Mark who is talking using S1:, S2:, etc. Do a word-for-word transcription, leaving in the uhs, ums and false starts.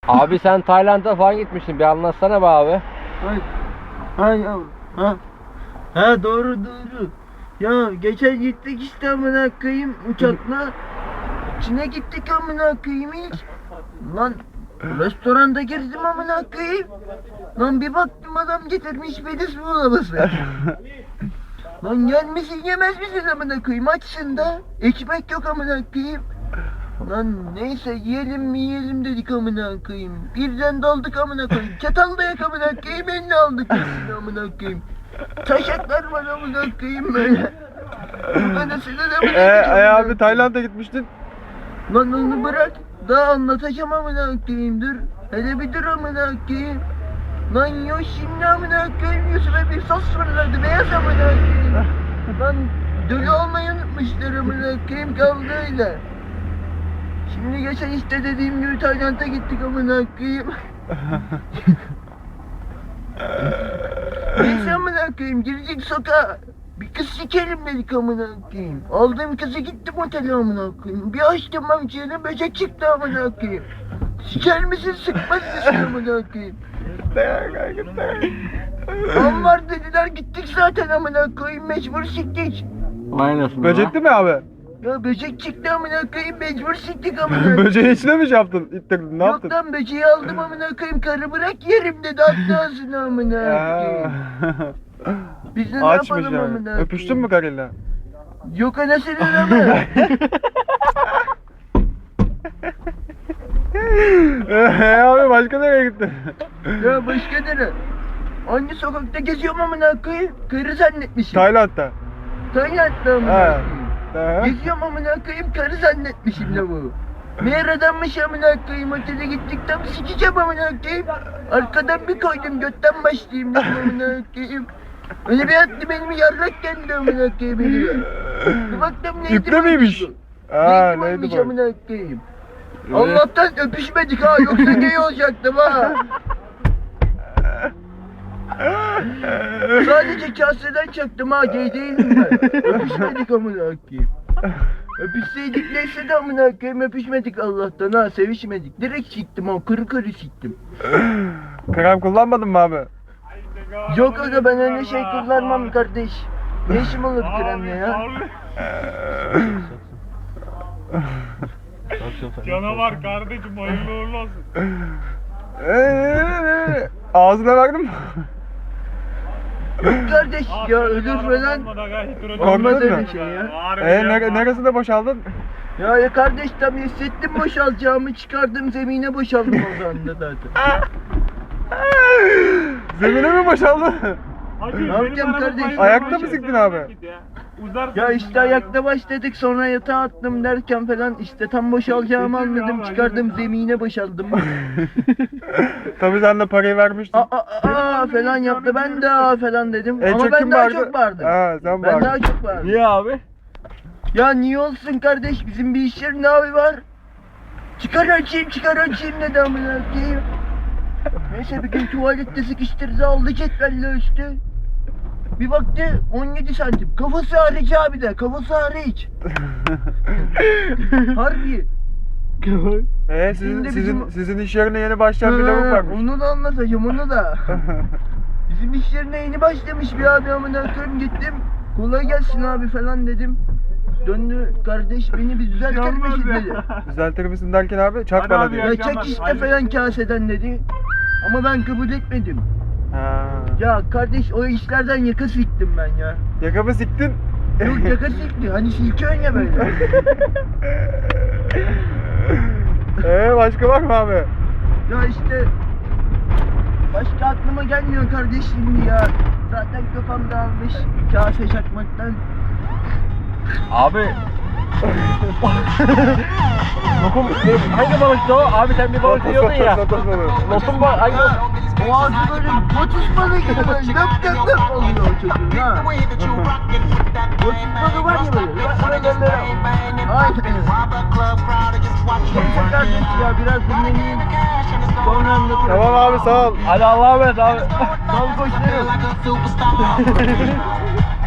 S1: Abi sen Tayland'a falan gitmiştin. Bir anlatsana be abi.
S2: Ay, ay yavrum, ha. Ha doğru doğru. Ya geçen gittik işte amına koyayım uçakla. Çin'e gittik amına koyayım ilk. Lan restoranda girdim amına koyayım. Lan bir baktım adam getirmiş Bediz buğulaması. Lan gelmişsin yemez misin amına koyayım açsın da. Ekmek yok amına koyayım. Lan neyse yiyelim mi yiyelim dedik amına koyayım. Birden daldık amına koyayım. Çatal da yak amına koyayım. Elini aldık elini amına koyayım. Taşaklar var amına koyayım böyle. Anasını da amına
S3: Eee
S2: koyayım.
S3: e, abi Tayland'a gitmiştin.
S2: Lan onu bırak. Daha anlatacağım amına koyayım dur. Hele bir dur amına koyayım. Lan yok şimdi amına koyayım yüzüme bir sos fırladı beyaz amına koyayım. Lan dölü olmayı unutmuşlar amına koyayım kaldı öyle. Şimdi geçen işte dediğim gibi Tayland'a gittik amına koyayım. Neyse amına koyayım girdik sokağa. Bir kız sikerim dedik amına koyayım. Aldığım kızı gittim otele amına koyayım. Bir açtım amcığını böcek çıktı amına koyayım. Siker misin sıkmaz mısın amına koyayım. Tam var dediler gittik zaten amına koyayım mecbur siktik.
S1: Aynasın.
S3: Böcekti mi abi?
S2: Ya böcek çıktı amına koyayım mecbur siktik amına koyayım.
S3: Böceğin içine mi şey yaptın? İttirdin ne yaptın?
S2: Yok lan böceği aldım amına koyayım karı bırak yerim dedi attı ağzına amına koyayım. Biz de ne
S3: Açmış
S2: yapalım amına
S3: yani.
S2: koyayım.
S3: Öpüştün mü karıyla?
S2: Yok anasını ama.
S3: Eee abi başka nereye gittin?
S2: Ya başka nere? Hangi sokakta geziyorum amına koyayım? Karı zannetmişim.
S3: Tayland'da.
S2: Tayland'da amına
S3: He.
S2: koyayım.
S3: He.
S2: Geziyorum amına koyayım karı zannetmişim la bu. Meğer adammış amına koyayım otele gittik tam sikeceğim amına koyayım. Arkadan bir koydum götten başlayayım dedim amına koyayım. Öyle bir attı benim yarrak geldi amına koyayım elime. Bir baktım neydi
S3: İple miymiş?
S2: bu?
S3: Aa
S2: Neydi
S3: neydi
S2: buymuş
S3: bu?
S2: amına koyayım. Allah'tan öpüşmedik ha yoksa gay olacaktım ha. Sadece kaseden çaktım ha gay değilim ben. Öpüşmedik amına koyayım. Öpüşseydik neyse de amına koyayım öpüşmedik Allah'tan ha sevişmedik. Direkt siktim ha kırı kırı siktim.
S3: Krem kullanmadın mı abi?
S2: Yok aga ben öyle şey kullanmam kardeş. Ne işim olur kremle ya?
S4: Canavar kardeşim hayırlı uğurlu olsun.
S3: Eee ağzına verdin mi?
S2: Yok kardeş ya ölür falan. Olmaz
S3: Korktun
S2: öyle
S3: mu?
S2: şey ya.
S3: Eee nere neresinde boşaldın?
S2: Ya, ya kardeş tam hissettim boşalacağımı çıkardım zemine boşaldım o anda zaten.
S3: Zemine mi boşaldın?
S2: Ne yapacağım kardeş?
S3: Ayakta mı siktin abi?
S2: Ya işte ayakta başladık sonra yatağa attım derken falan işte tam boşalacağımı anladım çıkardım zemine boşaldım.
S3: Tabii sen de parayı vermiştin.
S2: Aa, aa, aa falan yaptı ben de aa falan dedim
S3: En
S2: ama
S3: çok
S2: ben
S3: kim
S2: daha
S3: bağırdı?
S2: çok bağırdım.
S3: Ha sen
S2: Ben
S3: bağırdın.
S2: daha çok bağırdım.
S1: Niye abi?
S2: Ya niye olsun kardeş bizim bir iş yerinde abi var. Çıkar açayım çıkar açayım dedi amına koyayım. Neyse bir gün tuvalette sıkıştırdı aldı cetvelle üstü. Bir baktı on yedi santim. Kafası hariç abi de kafası hariç. Harbi.
S3: Ee,
S2: Şimdi
S3: sizin, sizin,
S2: bizim-
S3: sizin iş yerine yeni başlayan bir lavuk
S2: Ha,
S3: varmış.
S2: onu da anlatacağım onu da. Bizim iş yerine yeni başlamış bir abi amına koyayım gittim. Kolay gelsin abi falan dedim. Döndü kardeş beni bir düzeltir misin dedi.
S3: Düzeltir misin derken abi çak
S4: Hadi
S3: bana
S4: abi
S3: diyor.
S4: ya.
S2: Ya çek işte falan kaseden dedi. Ama ben kabul etmedim.
S3: Ha.
S2: Ya kardeş o işlerden yaka siktim ben ya.
S3: Yakamı siktin.
S2: Yok yaka sikti. Hani silkiyorsun ya böyle.
S3: Ee başka var mı abi?
S2: Ya işte başka aklıma gelmiyor kardeş şimdi ya. Zaten kafam dağılmış kase çakmaktan.
S1: Abi. Lokum ne- hangi balıktı o? Abi sen bir balık yiyordun ya.
S3: Lotos balığı.
S1: Lokum balık hangi balık?
S2: O ağzı böyle botus balığı gibi böyle löp löp löp oluyor o çocuğun ha. Botus balığı var ya böyle. Bak böyle böyle. Aynen. Neyse kardeş ya biraz dinleneyim. Sonra anlatırım.
S3: Tamam abi sağ ol.
S1: Hadi Allah'a emanet abi.
S2: Sağ ol koçlarım.